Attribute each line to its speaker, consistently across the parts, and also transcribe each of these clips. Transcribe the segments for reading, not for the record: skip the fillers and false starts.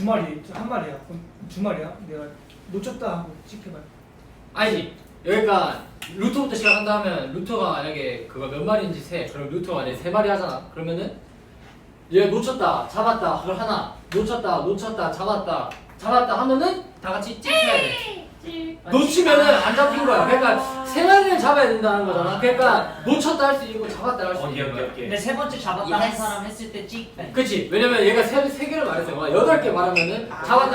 Speaker 1: 두 마리, 한 마리야. 그럼 두 마리야. 내가 놓쳤다 하고 찍혀봐.
Speaker 2: 아니지. 여기가 루트부터 시작한다 하면 루트가 만약에 그거 몇 마리인지 세. 그럼 루트가 만약에 세 마리 하잖아. 그러면은 얘 놓쳤다, 잡았다, 그걸 하나. 놓쳤다, 잡았다 하면은 다 같이 찍혀야 돼. 놓치면은 안 잡힌 거야. 그러니까 세 마리를 잡아야 된다는 거잖아. 그러니까 놓쳤다 할 수 있고 잡았다 할 수 있는 거야.
Speaker 3: 근데 세 번째 잡았다 한 사람 했을 때 찍.
Speaker 2: 그치. 왜냐면 얘가 세 개를 말했어요. 8개 말하면은 잡았다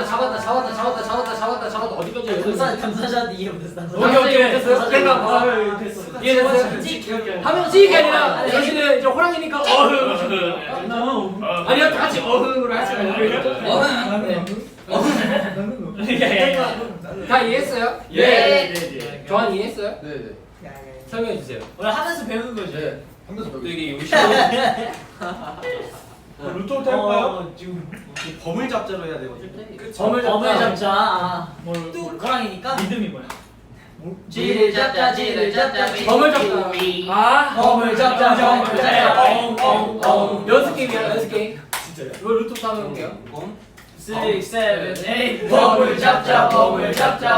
Speaker 2: 어디까지 해야
Speaker 3: 감사자한테 이해 못했어.
Speaker 2: 오케이 됐어요. 그러니까 이해됐어요? 하면 찍이 아니라 당신은 이제 호랑이니까 아니요 다 같이 어흥으로 할 수가 있어요. 다 이해했어요?
Speaker 3: 예.
Speaker 2: 조한 이해했어요?
Speaker 4: 네네.
Speaker 2: 설명해 주세요.
Speaker 3: 원래 하면서 배우는 거지.
Speaker 4: 네. 하면서 배우고
Speaker 5: 되게 요시
Speaker 1: 루토부터 할까요?
Speaker 3: 지금
Speaker 5: 범을 잡자로 해야 되거든.
Speaker 2: 범을
Speaker 3: 범을 잡자. 아,
Speaker 1: 뭘
Speaker 3: 호랑이니까.
Speaker 1: 믿음이 뭐야?
Speaker 3: 지를 잡자.
Speaker 2: 범을 잡자.
Speaker 1: 아,
Speaker 3: 범을 잡자.
Speaker 2: 연습 게임이야 연습 게임.
Speaker 5: 진짜요?
Speaker 2: 이거 루트부터 한번 해볼게요.
Speaker 3: 6, 7, 8. 범을 잡자. 범.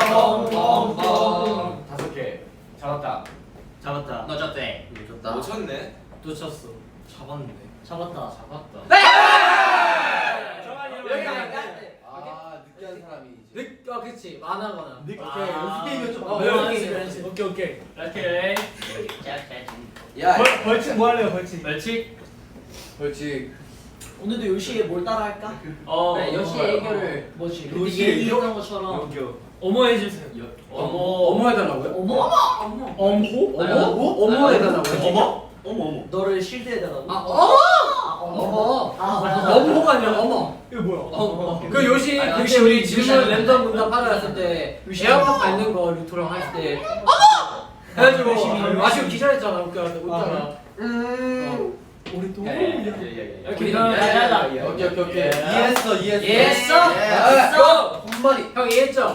Speaker 2: 5개 잡았다.
Speaker 3: 잡았다.
Speaker 5: 넣어줬대.
Speaker 4: 좋다.
Speaker 5: 놓쳤네.
Speaker 2: 놓쳤어.
Speaker 5: 잡았네.
Speaker 3: 잡았다.
Speaker 2: 여기
Speaker 4: 아 느끼한 사람이 이제.
Speaker 2: 그치 많아거나.
Speaker 4: 오케이 연습 게임이었죠.
Speaker 1: 오케이.
Speaker 3: 오케이.
Speaker 4: 야
Speaker 1: 벌칙 뭐 할래요? 벌칙.
Speaker 4: 벌칙.
Speaker 3: 오늘도 요시에 뭘 따라 할까?
Speaker 2: 네, 요시의 애교를
Speaker 3: 뭐지?
Speaker 5: 요시의
Speaker 3: 그때 얘기했던 것처럼.
Speaker 1: 어머 해주세요.
Speaker 2: 어머 해달라고요?
Speaker 3: 어머.
Speaker 1: 엄호?
Speaker 2: 어머 해달라고요?
Speaker 5: 어머.
Speaker 3: 너를 실드해달라고?
Speaker 2: 어머. 어머가 아니라 어머.
Speaker 1: 이거 뭐야?
Speaker 2: 그 요시 그때 우리 질문 랜덤 문답 받아왔을 때 에어팟 밟는 거 루토랑 했을 때 해가지고 아쉬워 기절했잖아 웃잖아.
Speaker 1: 우리 또
Speaker 2: 이렇게
Speaker 4: 오케이. 이해했어.
Speaker 3: 이해했어?
Speaker 4: 한 마리.
Speaker 2: 형 이해했죠?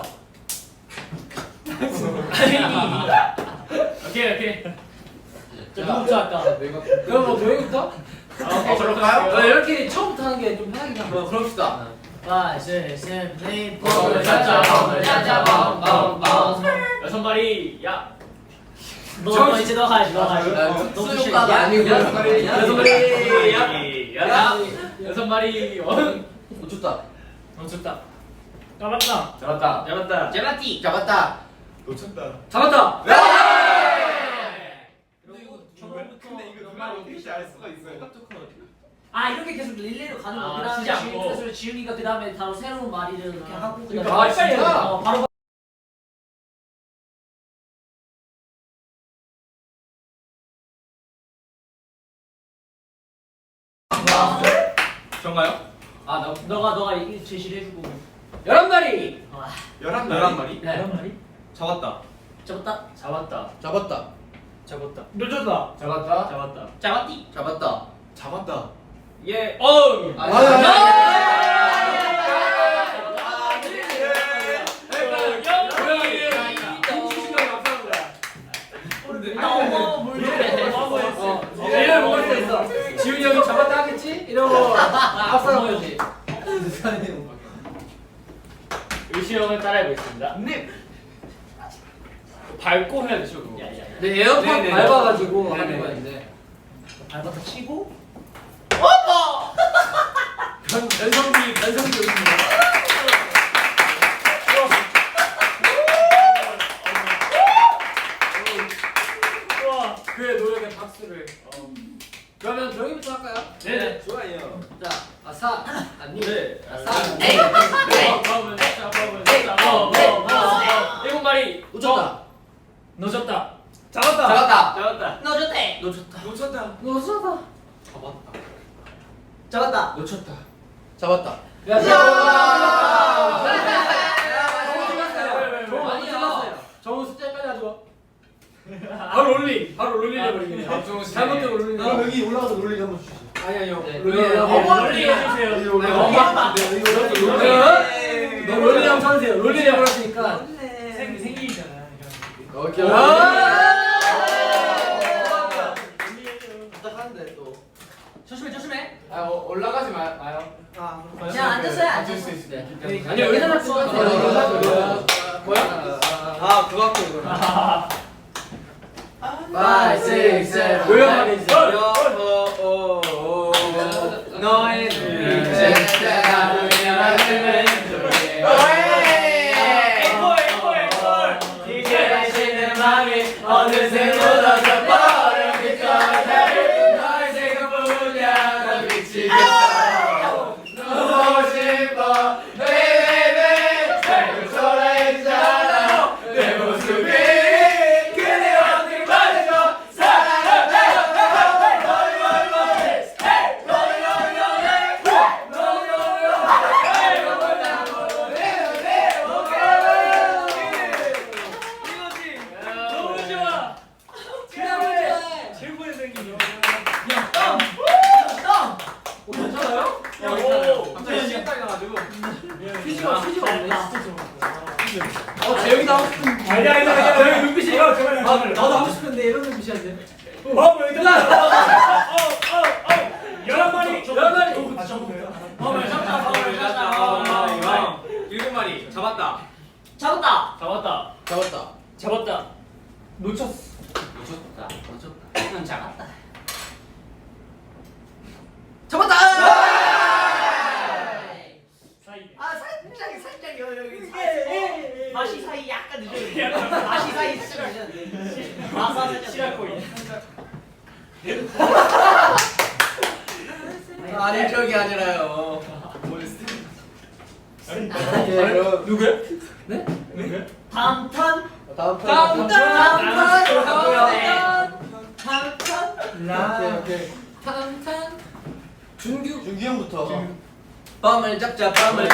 Speaker 3: 오케이. 자, 누구부터 할까?
Speaker 4: 내가.
Speaker 2: 그럼 뭐 너희부터?
Speaker 5: 그럴까요?
Speaker 2: 이렇게 처음부터 하는 게 좀 편하긴 하고.
Speaker 4: 그럽시다.
Speaker 3: 5, 6, 7, 8.
Speaker 2: 범을 잡자, 범.
Speaker 3: 여섯 마리. 야. 너 이제 너 가야지.
Speaker 4: 특수 효과가 아니고.
Speaker 2: 여섯 마리. 여섯 마리.
Speaker 4: 놓쳤다.
Speaker 3: 놓쳤다.
Speaker 1: 까봤다.
Speaker 2: 잡았다.
Speaker 3: 제바티.
Speaker 4: 잡았다.
Speaker 5: 놓쳤다.
Speaker 2: 잡았다.
Speaker 5: 근데 이거 누가 어떻게 알 수가 있어요?
Speaker 3: 아 이렇게 계속 릴레이로 가는 거. 그다음에
Speaker 1: 치지 않고.
Speaker 3: 지훈이가 그다음에 바로 새로운 말이를 이렇게 하고 그다음에
Speaker 2: 그러니까 진짜?
Speaker 3: 바로
Speaker 5: 정가요?
Speaker 3: 너가 이 제시를 해주고.
Speaker 2: 11마리.
Speaker 5: 11마리?
Speaker 3: 네.
Speaker 1: 말이?
Speaker 5: 잡았다.
Speaker 3: 잡았다.
Speaker 4: 잡았다.
Speaker 1: 놓쳤다.
Speaker 2: 잡았다.
Speaker 3: 잡았디.
Speaker 4: 잡았다.
Speaker 5: 잡았다.
Speaker 1: 예.
Speaker 2: 얘를 먹을 수 있어. 지훈이 형이 잡았다 하겠지? 이러고 앞서는 거지.
Speaker 3: 의시 형을 따라해보겠습니다.
Speaker 5: 밟고 해야 되죠, 그거.
Speaker 2: 네, 에어팟
Speaker 5: 네네.
Speaker 2: 밟아가지고
Speaker 5: 네네.
Speaker 2: 하는 거였는데.
Speaker 3: 밟아서 치고.
Speaker 2: 변성기 오십니다. 그의 노력에 박수를. 그러면 조용히부터 할까요?
Speaker 5: 네, 좋아요.
Speaker 2: 자, 아사, 아니,
Speaker 5: 네.
Speaker 2: 아사,
Speaker 3: 일곱 마리.
Speaker 4: 놓쳤다.
Speaker 3: 놓쳤다.
Speaker 1: 잡았다.
Speaker 4: 잡았다.
Speaker 3: 놓쳤대.
Speaker 5: 놓쳤다.
Speaker 2: 놓쳤다.
Speaker 3: 잡았다.
Speaker 4: 놓쳤다. 잡았다.
Speaker 2: 야,
Speaker 3: 많이
Speaker 2: 잡았어요. 정우 숫자까지 가지고. 바로 롤링 해버리겠네. 잘못된 롤링.
Speaker 4: 그럼 여기 올라가서 롤링 한번 주시죠.
Speaker 2: 아니요.
Speaker 3: 롤링 해주세요.
Speaker 2: 너 롤링 한번 쳐주세요. 롤링 해버렸으니까.
Speaker 1: 생일이잖아.
Speaker 4: 오케이. 부탁하는데 또.
Speaker 3: 조심해.
Speaker 2: 올라가지 마요.
Speaker 1: 아,
Speaker 3: 그냥 앉았어요, 앉았어.
Speaker 2: 아니 의자 잡고
Speaker 4: 뭐야? 아 그거 갖고 이거. 5, 6, 7
Speaker 2: 뭐야 말이지?
Speaker 4: 너의 눈빛에 나를 향하는 이제 다시는 맘이 어느새 묻어져 버려 너의 생각뿐이야 난 미치겠어 너무 싶어 baby 자꾸 초라해지잖아 내 모습이 그대한테 말해줘
Speaker 1: 최고의 생긴
Speaker 2: 괜찮아요?
Speaker 5: 갑자기 시간 딱 나가지고.
Speaker 2: 휴지가 없네 진짜 재영이도 하고 싶은
Speaker 1: 아니야 재영이 눈빛이 제발
Speaker 2: 나도 하고 싶은데 이런 눈빛이었네
Speaker 1: 왜 이러나 11마리
Speaker 2: 아,
Speaker 5: 잡았다. 일곱 마리 잡았다.
Speaker 3: 잡았다.
Speaker 4: 잡았다
Speaker 1: 놓쳤어
Speaker 5: 놓쳤다.
Speaker 3: 이건 작았다.
Speaker 4: 잡았다
Speaker 3: 살짝 여기 맛이 사이 약간 늦었는데. 맛이 사이 진짜 늦었는데. 마사지 시라코이.
Speaker 4: 아니 저기 아니라요
Speaker 2: 누구야?
Speaker 3: 다음 턴.
Speaker 4: 다음
Speaker 3: 다음
Speaker 4: 오케이
Speaker 2: 탄탄 준규
Speaker 4: 준기 형부터 밤을 잡자 밤을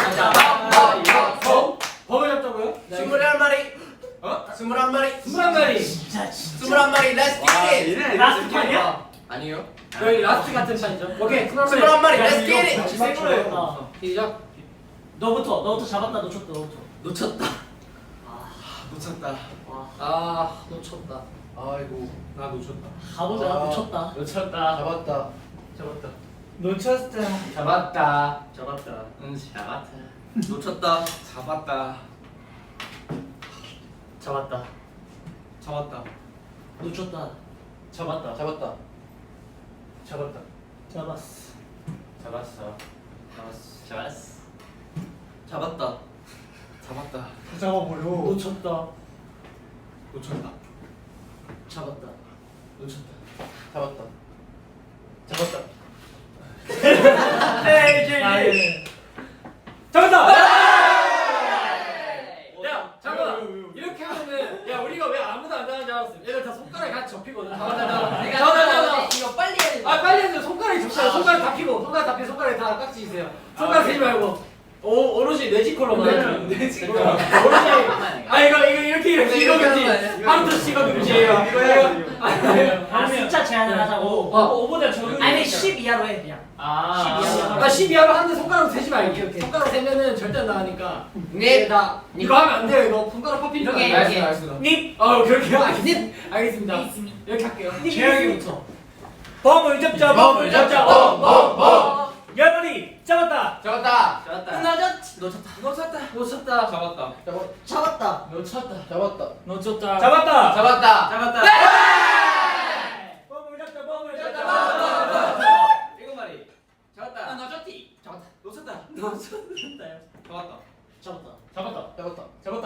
Speaker 2: 범을 잡자고요?
Speaker 4: 21마리 21마리
Speaker 2: 21마리
Speaker 3: 진짜
Speaker 4: 21마리 렛츠 기릿
Speaker 3: 라스트 판이야?
Speaker 4: 아니요
Speaker 2: 여기 라스트 같은 판이죠 오케이
Speaker 4: 21마리 렛츠 기릿
Speaker 2: 시작
Speaker 3: 너부터 잡았다 놓쳤다
Speaker 2: 놓쳤다
Speaker 4: 놓쳤다
Speaker 2: 아 놓쳤다
Speaker 4: 아이고
Speaker 5: 나 놓쳤다.
Speaker 3: 가보자 놓쳤다.
Speaker 4: 잡았다
Speaker 1: 놓쳤다
Speaker 2: 잡았다
Speaker 5: 잡았다.
Speaker 2: 응 잡았다
Speaker 4: 놓쳤다
Speaker 5: 잡았다.
Speaker 3: 잡았다.
Speaker 5: 잡았다.
Speaker 3: 놓쳤다.
Speaker 2: 잡았다
Speaker 4: 잡았다
Speaker 2: 잡았다
Speaker 3: 잡았어.
Speaker 2: 잡았어
Speaker 4: 잡았다
Speaker 5: 잡았다.
Speaker 1: 잡아버려
Speaker 3: 놓쳤다.
Speaker 5: 놓쳤다.
Speaker 3: 잡았다.
Speaker 4: 잡았다
Speaker 3: 에이
Speaker 1: 잡았다
Speaker 2: 야 잠깐만 이렇게 하면은 야 우리가 왜 아무도 안 나가는지 알았어 얘들 다 손가락이 같이 접히거든 잡았다
Speaker 3: 이거 빨리 해야 돼.
Speaker 2: 아 빨리 해줘 손가락이 접혀요 손가락 다 피고 손가락이 다 깍지 있어요 손가락 세지 말고 오로지 뇌지컬로만
Speaker 5: 뇌지컬로.
Speaker 2: 오로지 아 이거 이렇게 이거겠지 하루도 이거 금지예요
Speaker 3: 아 숫자 제한을 하자고.
Speaker 1: 5보다 적은
Speaker 3: 아니 10 이하로 해 그냥.
Speaker 2: 아 12하로 하는데 손가락 세지 말고 손가락 세면은 절대 안 나가니까
Speaker 4: 네
Speaker 2: 다 이거 하면 안 돼요 이거 손가락 파피니까
Speaker 3: 이렇게,
Speaker 2: 안 돼요.
Speaker 3: 이렇게.
Speaker 2: 알겠습니다 그렇게 알겠습니다 이렇게 할게요
Speaker 3: 재영이부터.
Speaker 1: 범을 잡자
Speaker 4: 범을 잡자, 범.
Speaker 1: 10마리 잡았다
Speaker 4: 잡았다
Speaker 2: 놓쳤다
Speaker 5: 잡았다.
Speaker 3: 잡았다.
Speaker 2: 놓쳤다
Speaker 1: 잡았다
Speaker 4: 잡았다
Speaker 1: 범을 잡자
Speaker 5: 일곱 마리. 잡았다.
Speaker 2: 놓쳤다
Speaker 5: 놓쳤다.
Speaker 3: 잡았다.
Speaker 5: 잡았다.
Speaker 3: 잡았다.
Speaker 4: 잡았다